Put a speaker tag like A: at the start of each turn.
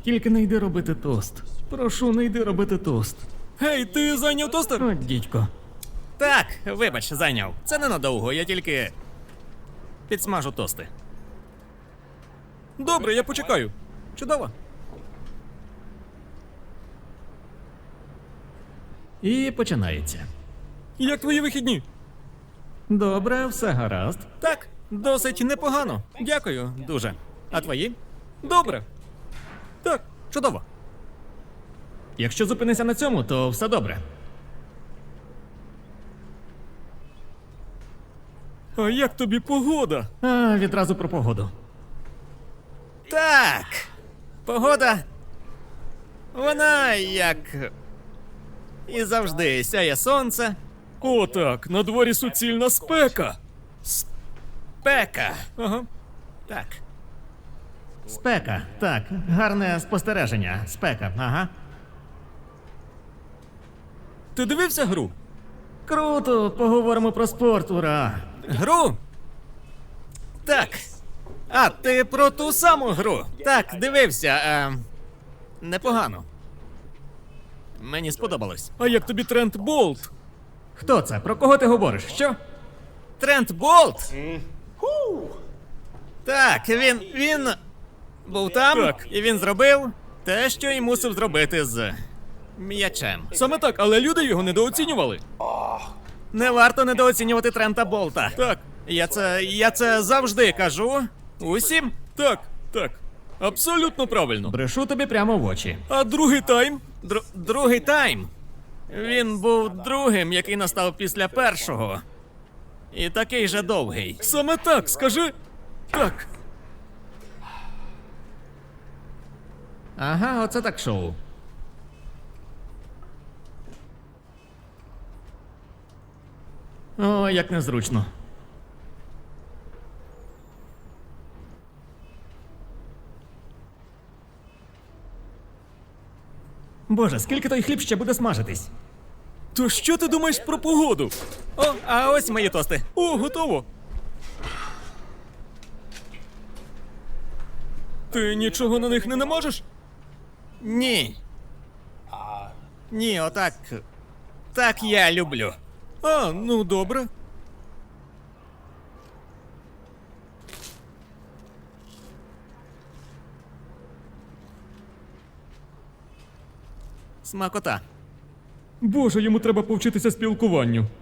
A: тільки не йди робити тост. Прошу, не йди робити тост.
B: Гей, ти зайняв тостер?
A: О, дідько.
B: Так, вибач, зайняв. Це ненадовго, я тільки підсмажу тости. Добре, я почекаю. Чудово.
A: І починається.
B: Як твої вихідні?
A: Добре, все гаразд.
B: Так, досить непогано. Дякую, дуже. А твої? Добре. Так, чудово.
A: Якщо зупинися на цьому, то все добре.
B: А як тобі погода?
A: А, відразу про погоду.
B: Так. Погода. Вона як. І завжди сяє сонце. О, так, на дворі суцільна спека. Спека. Ага. Так.
A: Спека. Так, гарне спостереження. Спека, ага.
B: Ти дивився гру?
A: Круто, поговоримо про спорт, ура!
B: Гру? Так. А, ти про ту саму гру? Так, дивився. Непогано. Мені сподобалось. А як тобі Трент Болт?
A: Хто це? Про кого ти говориш? Що?
B: Трент Болт? Так, він був там,
C: Так.
B: і він зробив те, що й мусив зробити з м'ячем.
C: Саме так, але люди його недооцінювали.
B: Не варто недооцінювати Трента Болта.
C: Так,
B: Я це завжди кажу. Усім.
C: так, так. Абсолютно правильно.
A: Брешу тобі прямо в очі.
C: А другий тайм?
B: Другий тайм. Він був другим, який настав після першого. І такий же довгий.
C: Саме так, скажи. Так.
A: Ага, оце так шоу. О, як незручно. Боже, скільки той хліб ще буде смажитись?
C: То що ти думаєш про погоду?
B: О, а ось мої тости.
C: О, готово. Ти нічого на них не намажеш?
B: Ні. Ні, отак. Так я люблю.
C: А, ну добре.
B: Смакота.
C: Боже, йому треба повчитися спілкуванню.